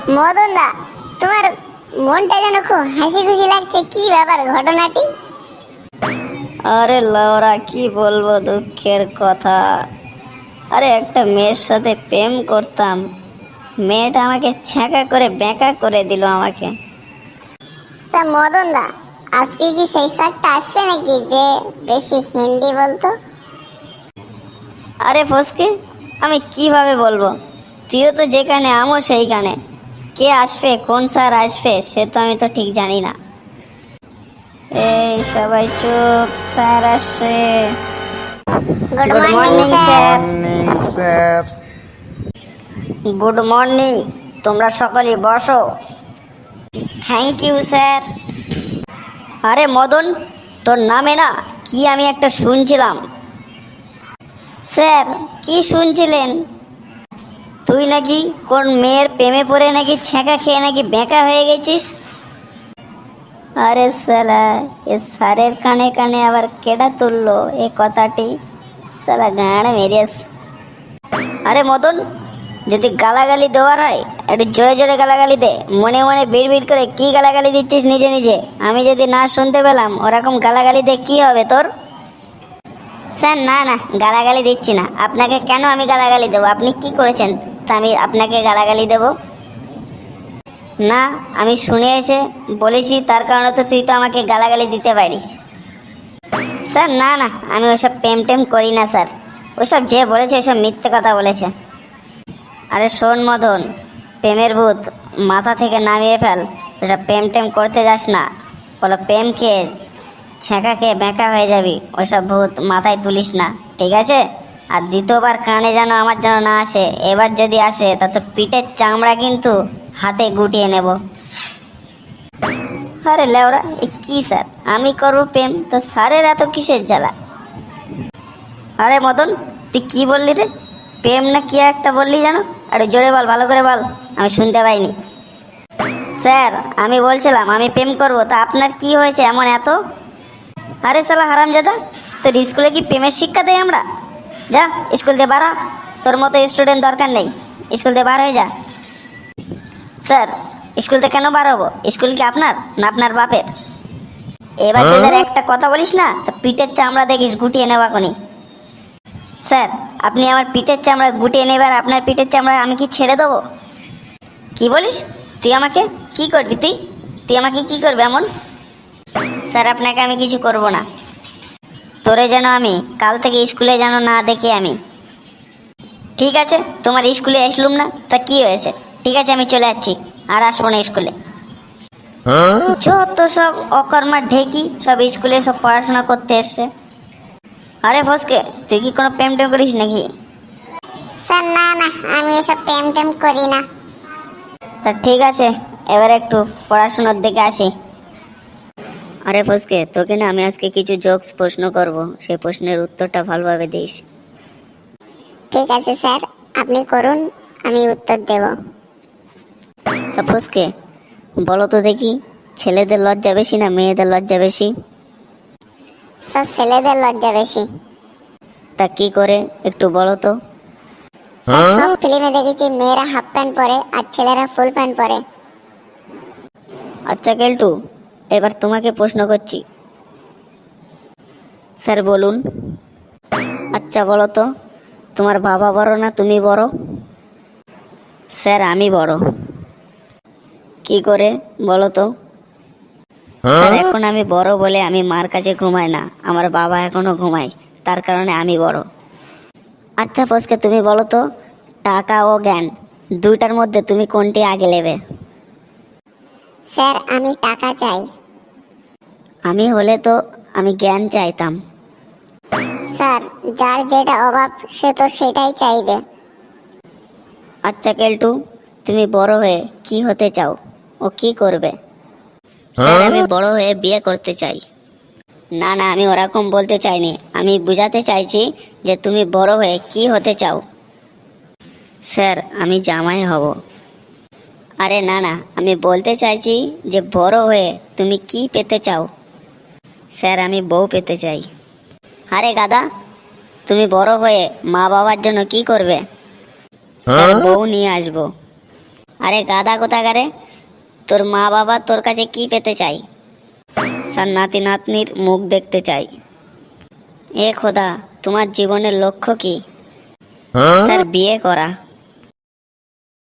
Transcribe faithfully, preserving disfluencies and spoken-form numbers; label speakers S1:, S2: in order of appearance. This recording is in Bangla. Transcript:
S1: মদন দা, তোমার মনটা যেন খুব হাসি খুশি লাগছে, কি ব্যাপার ঘটনাটি?
S2: আরে লাউরা, কি বলবো দুঃখের কথা। আরে একটা মেয়ের সাথে প্রেম করতাম, মেয়েটা আমাকে ছ্যাঁকা করে বেঁকা করে দিল আমাকে।
S1: তা মদন দা, আজকে কি সেই স্যারটা আসবে নাকি যে বেশি হিন্দি বলতো?
S2: আরে ফসকে, আমি কিভাবে বলবো? তুইও তো যেখানে আমিও সেইখানে। কে আসবে, কোন স্যার আসবে সে তো আমি তো ঠিক জানি না। এই সবাই চুপ, স্যার আসছে।
S1: Good
S2: good
S1: morning
S2: morning
S1: sir.
S2: Sir.
S3: Morning sir.
S2: Good morning, তোমরা সকলে বসো। Thank you sir. আরে মদন, তোর নামে না কি আমি একটা শুনছিলাম। স্যার, কি শুনছিলেন? তুই নাকি কোন মেয়ের প্রেমে পড়ে নাকি ছ্যাঁকা খেয়ে নাকি বেঁকা হয়ে গেছিস। আরে সালা, এ স্যারের কানে কানে আবার কেডা তুললো এ কথাটি? সালা গাঁড় মেরিয়াস। আরে মদন, যদি গালাগালি দেওয়ার হয় একটু জোরে জোরে গালাগালি দে, মনে মনে বিড় বিড় করে কি গালাগালি দিচ্ছিস নিজে নিজে? আমি যদি না শুনতে পেলাম ওরকম গালাগালি দিয়ে কি হবে তোর? স্যার না না, গালাগালি দিচ্ছি না। আপনাকে কেন আমি গালাগালি দেবো? আপনি কি করেছেন তা আমি আপনাকে গালাগালি দেব? না, আমি শুনে এসে বলেছি, তার কারণে তো তুই তো আমাকে গালাগালি দিতে পারিস। স্যার না না, আমি ওসব প্রেম টেম করি না স্যার। ওসব যে বলেছে ওসব মিথ্যে কথা বলেছে। আরে শোন মদন, প্রেমের ভূত মাথা থেকে নামিয়ে ফেল। ওসব প্রেম টেম করতে যাস না। বলো প্রেম খেয়ে ছ্যাঁকা খেয়ে বেঁকা হয়ে যাবি, ওসব ভূত মাথায় তুলিস না, ঠিক আছে? আর দ্বিতীয়বার কানে যেন আমার যেন না আসে। এবার যদি আসে তা তো পিঠের চামড়া কিন্তু হাতে গুটিয়ে নেব। আরে লেওরা, এ কি স্যার? আমি করবো প্রেম, তো স্যারের এত কিসের জ্বালা? আরে মদন, তুই কি বললি রে? প্রেম না কি একটা বললি জানো? আরে জোরে বল, ভালো করে বল, আমি শুনতে পাইনি। স্যার, আমি বলছিলাম আমি প্রেম করবো, তা আপনার কি হয়েছে এমন এত? আরে শালা হারামজাদা, তোর স্কুলে কি প্রেমের শিক্ষা দেয় আমরা? যা স্কুল দিয়ে বাড়া, তোর মতো স্টুডেন্ট দরকার নেই, স্কুল দিয়ে বার হয়ে যা। স্যার, স্কুল থেকে কেন বার হবো? স্কুল কি আপনার না আপনার বাপের? এবার তোদের একটা কথা বলিস না তো পিঠের চামড়া দেখিস গুটিয়ে নেওয়া কোনি। স্যার, আপনি আমার পিঠের চামড়া গুটিয়ে নেবার, আপনার পিঠের চামড়া আমি কি ছেড়ে দেবো? কি বলিস? তুই আমাকে কি করবি? তুই তুই আমাকে কি করবি এমন? স্যার, আপনাকে আমি কিছু করব না। তোরে যেন আমি কাল থেকে স্কুলে যেন না দেখি আমি। ঠিক আছে, তোমার স্কুলে আসলুম না তা কি হয়েছে? ঠিক আছে, আমি চলে যাচ্ছি, আর আসবো না স্কুলে। যত সব অকর্মার ঢেকি সব স্কুলে সব পড়াশোনা করতে এসছে। আরে ফসকে, তুই কি কোনো প্রেম টেম করিস নাকি?
S1: স্যার না না, আমি এসব প্রেম টেম করি না।
S2: তা ঠিক আছে, এবার একটু পড়াশোনার দিকে আসি। আরে ফসকে, তোকে না আমি আজকে কিছু জোকস প্রশ্ন করব, সেই প্রশ্নের উত্তরটা ভালোভাবে দিস।
S1: ঠিক আছে স্যার, আপনি করুন, আমি উত্তর দেব।
S2: তা ফসকে, বলো তো দেখি, ছেলেদের লজ্জা বেশি না মেয়েদের লজ্জা বেশি?
S1: স্যার, ছেলেদের লজ্জা বেশি।
S2: তা কি করে একটু বলো তো?
S1: স্যার, সব ফিল্মে দেখেছি মেয়েরা হাফ প্যান্ট পরে আর ছেলেরা ফুল প্যান্ট পরে।
S2: আচ্ছা কেলটু, এবার তোমাকে প্রশ্ন করছি। স্যার বলুন। আচ্ছা বলো তো, তোমার বাবা বড় না তুমি বড়? স্যার, আমি বড়। কি করে বলো তো? স্যার, এখন আমি বড় বলে আমি মার কাছে ঘুমাই না, আমার বাবা এখনো ঘুমায়, তার কারণে আমি বড়। আচ্ছা ফসকে, তুমি বলো তো, টাকা ও জ্ঞান দুইটার মধ্যে তুমি কোনটি আগে নেবে?
S1: স্যার, আমি টাকা চাই।
S2: আমি হলে তো আমি জ্ঞান চাইতাম।
S1: স্যার, যার যেটা অভাব সে তো সেটাই চাইবে।
S2: আচ্ছা কেলটু, তুমি বড় হয়ে কি হতে চাও ও কি করবে? স্যার, আমি বড় হয়ে বিয়ে করতে চাই। না না, আমি ওরকম বলতে চাইনি, আমি বুঝাতে চাইছি যে তুমি বড় হয়ে কি হতে চাও। স্যার, আমি জামাই হব। আরে না না, আমি বলতে চাইছি যে বড় হয়ে তুমি কি পেতে চাও। স্যার, আমি বউ পেতে চাই। আরে গাদা, তুমি বড় হয়ে মা বাবার জন্য কি করবে? স্যার, বউ নিয়ে আসবো। আরে গাদা কোথাকারে, তোর মা বাবা তোর কাছে কি পেতে চাই? স্যার নাতি নাতনির মুখ দেখতে চাই। এ খোদা, তোমার জীবনের লক্ষ্য কি? স্যার বিয়ে করা।